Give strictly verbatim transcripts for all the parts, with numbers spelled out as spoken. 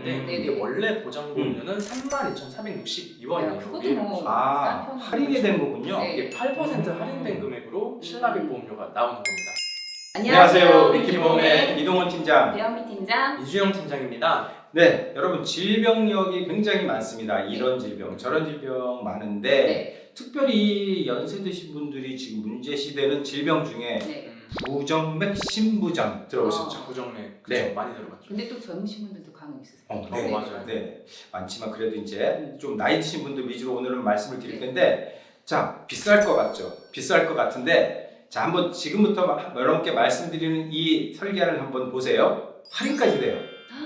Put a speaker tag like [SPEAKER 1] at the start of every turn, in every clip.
[SPEAKER 1] 있는데
[SPEAKER 2] 음.
[SPEAKER 1] 이게 원래 보장보험료는 삼만 이천사백육십이 원이에요.
[SPEAKER 3] 그것도 뭐
[SPEAKER 2] 아,
[SPEAKER 3] 싼 편이죠.
[SPEAKER 2] 할인이 된 거군요.
[SPEAKER 3] 네.
[SPEAKER 1] 이게 팔 퍼센트
[SPEAKER 2] 음.
[SPEAKER 1] 할인된 금액으로 신라비 보험료가 나오는 겁니다.
[SPEAKER 2] 안녕하세요. 위키보험의 이동원 팀장.
[SPEAKER 3] 배현미 팀장.
[SPEAKER 1] 이주영 팀장입니다.
[SPEAKER 2] 네, 여러분 질병력이 굉장히 많습니다. 이런 질병, 저런 질병 많은데
[SPEAKER 3] 네.
[SPEAKER 2] 특별히 연세 드신 분들이 지금 문제시되는 질병 중에
[SPEAKER 3] 네.
[SPEAKER 2] 부정맥 심부전 들어보셨죠?
[SPEAKER 3] 어.
[SPEAKER 1] 부정맥 그쵸?
[SPEAKER 2] 네.
[SPEAKER 1] 많이 들어봤죠.
[SPEAKER 3] 근데 또 젊으신 분들도 간혹 있으세요.
[SPEAKER 2] 어,
[SPEAKER 1] 네, 맞아요.
[SPEAKER 2] 네, 많지만 그래도 이제 좀 나이 드신 분들 위주로 오늘은 말씀을 드릴 텐데, 자, 비쌀 것 같죠? 비쌀 것 같은데, 자, 한번 지금부터 여러분께 말씀드리는 이 설계를 한번 보세요. 할인까지 돼요.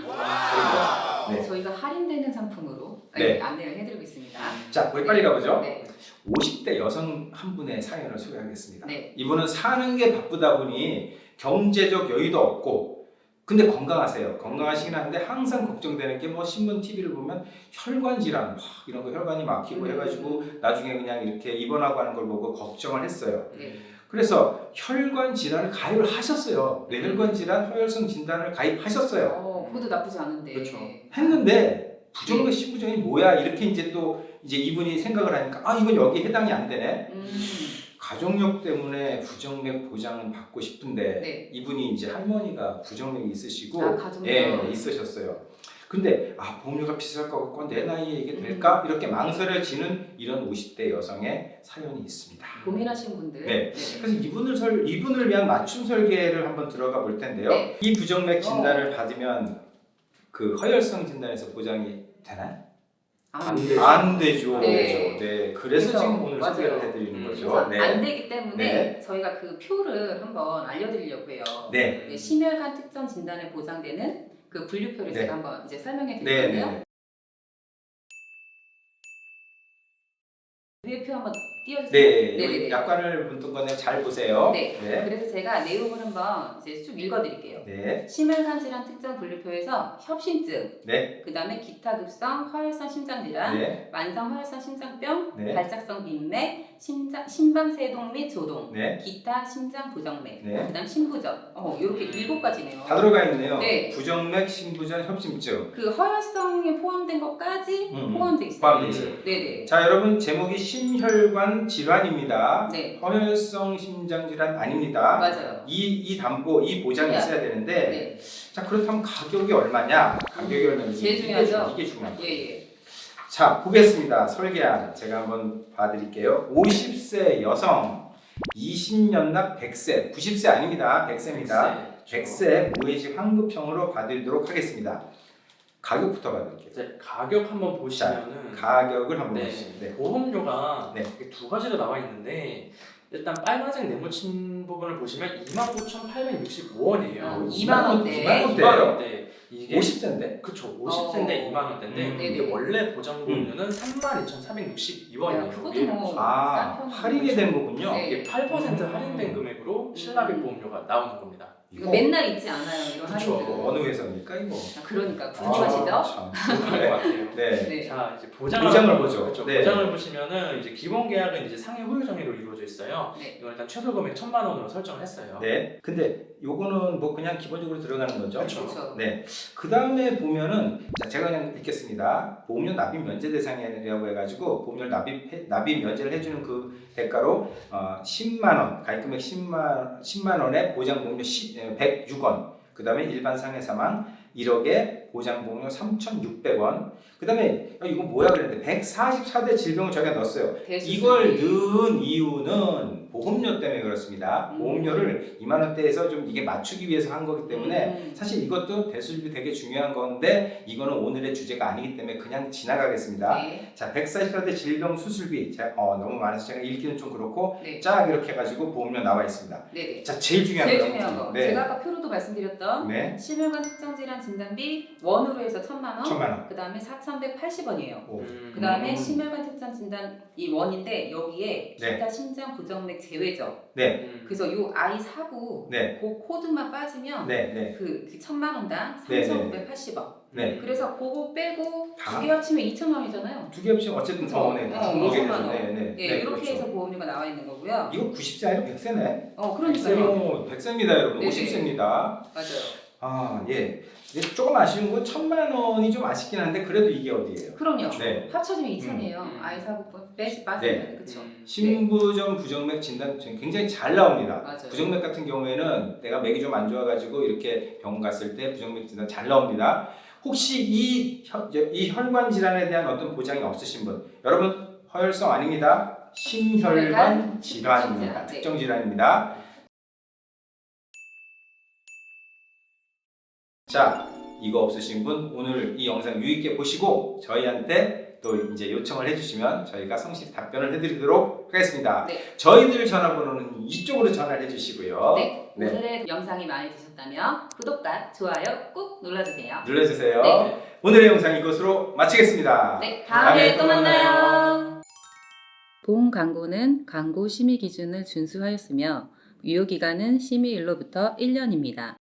[SPEAKER 3] 와.
[SPEAKER 2] 네.
[SPEAKER 3] 저희가 할인되는 상품으로
[SPEAKER 2] 네.
[SPEAKER 3] 안내를 해드리고 있습니다.
[SPEAKER 2] 자, 우리 빨리 가보죠.
[SPEAKER 3] 네.
[SPEAKER 2] 오십 대 여성 한 분의 사연을 소개하겠습니다.
[SPEAKER 3] 네.
[SPEAKER 2] 이분은 사는 게 바쁘다 보니 경제적 여유도 없고, 근데 건강하세요. 건강하시긴 한데 항상 걱정되는 게 뭐 신문 티비를 보면 혈관 질환, 와, 이런 거 혈관이 막히고
[SPEAKER 3] 음.
[SPEAKER 2] 해가지고 나중에 그냥 이렇게 입원하고 하는 걸 보고 걱정을 했어요.
[SPEAKER 3] 네.
[SPEAKER 2] 그래서 혈관 질환을 가입을 하셨어요. 뇌혈관 질환 허혈성 진단을 가입하셨어요.
[SPEAKER 3] 어, 그것도 나쁘지 않은데.
[SPEAKER 1] 그렇죠.
[SPEAKER 2] 했는데 부정맥 심부전이 뭐야? 이렇게 이제 또 이제 이분이 생각을 하니까 아, 이건 여기 해당이 안 되네.
[SPEAKER 3] 음.
[SPEAKER 2] 가족력 때문에 부정맥 보장은 받고 싶은데
[SPEAKER 3] 네.
[SPEAKER 2] 이분이 이제 할머니가 부정맥이 있으시고
[SPEAKER 3] 아, 가족력.
[SPEAKER 2] 예, 있으셨어요. 근데 아, 보험료가 비쌀 것 같고 내 나이에 이게 될까? 이렇게 망설여지는 이런 오십 대 여성의 사연이 있습니다.
[SPEAKER 3] 고민하시는 분들.
[SPEAKER 2] 네. 그래서 이분을 설 이분을 위한 맞춤 설계를 한번 들어가 볼 텐데요.
[SPEAKER 3] 네.
[SPEAKER 2] 이 부정맥 진단을 받으면 그 허혈성 진단에서 보장이 되나요?
[SPEAKER 3] 안
[SPEAKER 1] 되죠.
[SPEAKER 2] 안 되죠.
[SPEAKER 3] 네.
[SPEAKER 2] 네. 그래서,
[SPEAKER 3] 그래서,
[SPEAKER 2] 지금 오늘
[SPEAKER 3] 맞아요.
[SPEAKER 2] 소개를 해드리는
[SPEAKER 1] 음,
[SPEAKER 2] 거죠.
[SPEAKER 3] 그래서
[SPEAKER 2] 네.
[SPEAKER 3] 안 되기 때문에
[SPEAKER 2] 네.
[SPEAKER 3] 저희가 그 표를 한번 알려드리려고 해요.
[SPEAKER 2] 네.
[SPEAKER 3] 네, 심혈관 특정 진단에 보장되는 그 분류표를
[SPEAKER 2] 네.
[SPEAKER 3] 제가 한번 이제 설명해 드릴
[SPEAKER 2] 네.
[SPEAKER 3] 건데요.
[SPEAKER 2] 네.
[SPEAKER 3] 위에 표 한번 띄워주세요.
[SPEAKER 2] 네.
[SPEAKER 3] 네네네.
[SPEAKER 2] 여기 약관을 붙은 거는 잘 보세요.
[SPEAKER 3] 네.
[SPEAKER 2] 네.
[SPEAKER 3] 그래서 제가 내용을 한번 이제 쭉 읽어드릴게요.
[SPEAKER 2] 네.
[SPEAKER 3] 심혈관 질환 특정 분류표에서 협심증,
[SPEAKER 2] 네.
[SPEAKER 3] 그 다음에 기타 급성 허혈성 심장 질환,
[SPEAKER 2] 네.
[SPEAKER 3] 만성 허혈성 심장병,
[SPEAKER 2] 네.
[SPEAKER 3] 발작성 빈맥, 심장, 심방세동 및 조동,
[SPEAKER 2] 네.
[SPEAKER 3] 기타 심장 부정맥,
[SPEAKER 2] 네.
[SPEAKER 3] 그 다음 심부전. 어, 이렇게 일곱 가지네요.
[SPEAKER 2] 다 들어가 있네요.
[SPEAKER 3] 네.
[SPEAKER 2] 부정맥, 심부전, 협심증.
[SPEAKER 3] 그 허혈성에 포함된 것까지
[SPEAKER 2] 음,
[SPEAKER 3] 포함되어 있어요.
[SPEAKER 2] 포함되어 있어요.
[SPEAKER 3] 네네.
[SPEAKER 2] 자, 여러분 제목이 심혈관 질환입니다.
[SPEAKER 3] 네.
[SPEAKER 2] 허혈성 심장 질환 아닙니다.
[SPEAKER 3] 맞아요.
[SPEAKER 2] 이, 이 담보, 이 보장이
[SPEAKER 3] 중요하죠.
[SPEAKER 2] 있어야 되는데,
[SPEAKER 3] 네.
[SPEAKER 2] 자, 그렇다면 가격이 얼마냐? 가격이 얼마냐?
[SPEAKER 3] 제일
[SPEAKER 2] 이게
[SPEAKER 3] 중요하죠.
[SPEAKER 2] 이게 중요합니다.
[SPEAKER 3] 예, 예.
[SPEAKER 2] 자, 보겠습니다. 설계안 제가 한번 봐드릴게요. 오십 세 여성, 이십 년 납 백 세, 구십 세 아닙니다. 백 세입니다. 백 세 무해지 환급형으로 봐드리도록 하겠습니다. 가격부터 봐드릴게요.
[SPEAKER 1] 이제 가격 한번 보시면은
[SPEAKER 2] 가격을 한번
[SPEAKER 1] 네,
[SPEAKER 2] 보시죠. 네.
[SPEAKER 1] 보험료가
[SPEAKER 2] 네.
[SPEAKER 1] 이렇게 두 가지로 나와 있는데 일단 빨간색 네모친 부분을 보시면 이만 구천팔백육십오 원이에요.
[SPEAKER 3] 어, 이만 원대.
[SPEAKER 2] 이만 원대.
[SPEAKER 1] 이만 원대. 이게
[SPEAKER 2] 오십 세인데?
[SPEAKER 1] 그쵸. 오십 세인데
[SPEAKER 3] 어.
[SPEAKER 1] 이만 원대인데
[SPEAKER 2] 음.
[SPEAKER 1] 이게 원래 보장보험료는 삼만 이천사백육십이 원이에요.
[SPEAKER 3] 그것도 뭐
[SPEAKER 2] 아,
[SPEAKER 3] 싼 편이죠.
[SPEAKER 2] 할인이 된 거군요.
[SPEAKER 3] 네.
[SPEAKER 1] 이게 팔 퍼센트
[SPEAKER 2] 음.
[SPEAKER 1] 할인된 금액으로 신라비 보험료가 나오는 겁니다.
[SPEAKER 3] 이거 맨날 있지 않아요, 이런
[SPEAKER 1] 그쵸.
[SPEAKER 3] 할인들.
[SPEAKER 2] 어느 회사입니까 이거?
[SPEAKER 3] 아, 그러니까
[SPEAKER 2] 아,
[SPEAKER 3] 궁금하시죠?
[SPEAKER 2] 참.
[SPEAKER 1] 그럴 것 같아요.
[SPEAKER 2] 네.
[SPEAKER 3] 네.
[SPEAKER 1] 자 이제 보장을,
[SPEAKER 2] 보장을
[SPEAKER 1] 한번
[SPEAKER 2] 보죠.
[SPEAKER 1] 그렇죠.
[SPEAKER 2] 네.
[SPEAKER 1] 보장을 보시면은 이제 기본 계약은 이제 상해 후유 정의로 이루어져 있어요.
[SPEAKER 3] 네.
[SPEAKER 1] 이건 일단 최소 금액 천만 원으로 설정을 했어요.
[SPEAKER 2] 네. 근데 요거는 뭐 그냥 기본적으로 들어가는 거죠.
[SPEAKER 1] 그렇죠.
[SPEAKER 3] 그렇죠.
[SPEAKER 2] 네. 그 다음에 보면은 자, 제가 그냥 읽겠습니다. 보험료 납입 면제 대상이라고 해가지고 보험료 납입 납입 면제를 해주는 그 대가로 어, 십만 원 가입금액 십만 십만 원에 보장 보험료 백육 원. 그 다음에 일반 상해 사망 일억에 보장 보험료 삼천육백 원. 그 다음에 아, 이거 뭐야 그랬는데 백사십사 대 질병을 저희가 넣었어요.
[SPEAKER 3] 대수술비.
[SPEAKER 2] 이걸 넣은 이유는 보험료 때문에 그렇습니다.
[SPEAKER 3] 음.
[SPEAKER 2] 보험료를 이만 원대에서 좀 이게 맞추기 위해서 한 거기 때문에
[SPEAKER 3] 음.
[SPEAKER 2] 사실 이것도 대수술비 되게 중요한 건데 이거는 오늘의 주제가 아니기 때문에 그냥 지나가겠습니다.
[SPEAKER 3] 네.
[SPEAKER 2] 자, 백사십사 대 질병 수술비 제가 어, 너무 많아서 제가 읽기는 좀 그렇고
[SPEAKER 3] 네.
[SPEAKER 2] 쫙 이렇게 해가지고 보험료 나와 있습니다.
[SPEAKER 3] 네네.
[SPEAKER 2] 자, 제일 중요한
[SPEAKER 3] 제일
[SPEAKER 2] 거.
[SPEAKER 3] 중요한 거.
[SPEAKER 2] 네.
[SPEAKER 3] 제가 아까 표로도 말씀드렸던
[SPEAKER 2] 네.
[SPEAKER 3] 심혈관 특정 질환 진단비 원으로 해서 천만 원.
[SPEAKER 2] 천만 원.
[SPEAKER 3] 그 다음에 사천백팔십 원이에요.
[SPEAKER 2] 오.
[SPEAKER 1] 음.
[SPEAKER 3] 그 다음에
[SPEAKER 2] 음.
[SPEAKER 3] 심혈관 특정 진단 이 원인데 여기에
[SPEAKER 2] 네.
[SPEAKER 3] 기타 심장 부정맥 제외죠.
[SPEAKER 2] 네.
[SPEAKER 1] 음.
[SPEAKER 3] 그래서 요 아이 사구
[SPEAKER 2] 네.
[SPEAKER 3] 그 코드만 빠지면
[SPEAKER 2] 네. 네.
[SPEAKER 3] 그, 그 천만 원당
[SPEAKER 2] 네,
[SPEAKER 3] 삼천구백팔십 원.
[SPEAKER 2] 네.
[SPEAKER 3] 그래서 그거 빼고
[SPEAKER 2] 다?
[SPEAKER 3] 두 개 합치면 이천만 원이잖아요.
[SPEAKER 2] 두 개 합치면 어쨌든 더 오네.
[SPEAKER 3] 어,
[SPEAKER 2] 두 개죠.
[SPEAKER 3] 이천만 원.
[SPEAKER 2] 네, 네.
[SPEAKER 3] 예,
[SPEAKER 2] 네,
[SPEAKER 3] 이렇게
[SPEAKER 2] 그렇죠.
[SPEAKER 3] 해서 보험료가 나와 있는 거고요.
[SPEAKER 2] 이거 구십 세 아니라 백 세네.
[SPEAKER 3] 어, 그러니까요.
[SPEAKER 2] 백 세입니다, 여러분.
[SPEAKER 3] 네네.
[SPEAKER 2] 오십 세입니다.
[SPEAKER 3] 맞아요.
[SPEAKER 2] 아, 예. 조금 아쉬운 건 천만 원이 좀 아쉽긴 한데 그래도 이게 어디예요?
[SPEAKER 3] 그럼요.
[SPEAKER 2] 네.
[SPEAKER 3] 합쳐지면 이천이에요.
[SPEAKER 1] 음.
[SPEAKER 3] 아이 사고 빼시 빠지면
[SPEAKER 2] 네.
[SPEAKER 3] 그렇죠.
[SPEAKER 1] 음.
[SPEAKER 2] 신부전 부정맥 진단 굉장히 잘 나옵니다.
[SPEAKER 3] 맞아요.
[SPEAKER 2] 부정맥 같은 경우에는 내가 맥이 좀 안 좋아가지고 이렇게 병원 갔을 때 부정맥 진단 잘 나옵니다. 혹시 이, 혈, 이 혈관 질환에 대한 어떤 보장이 없으신 분, 여러분 허혈성 아닙니다. 심혈관 질환입니다.
[SPEAKER 3] 네.
[SPEAKER 2] 특정 질환입니다. 자, 이거 없으신 분 오늘 이 영상 유익하게 보시고 저희한테 또 이제 요청을 해주시면 저희가 성실히 답변을 해드리도록 하겠습니다.
[SPEAKER 3] 네.
[SPEAKER 2] 저희들 전화번호는 이쪽으로 전화를 해주시고요.
[SPEAKER 3] 네.
[SPEAKER 2] 네.
[SPEAKER 3] 오늘의 영상이 마음에 드셨다면 구독과 좋아요 꾹 눌러주세요.
[SPEAKER 2] 눌러주세요.
[SPEAKER 3] 네.
[SPEAKER 2] 오늘의 영상 이것으로 마치겠습니다.
[SPEAKER 3] 네, 다음에 또 만나요. 보험 광고는 광고 심의 기준을 준수하였으며 유효 기간은 심의일로부터 일 년입니다.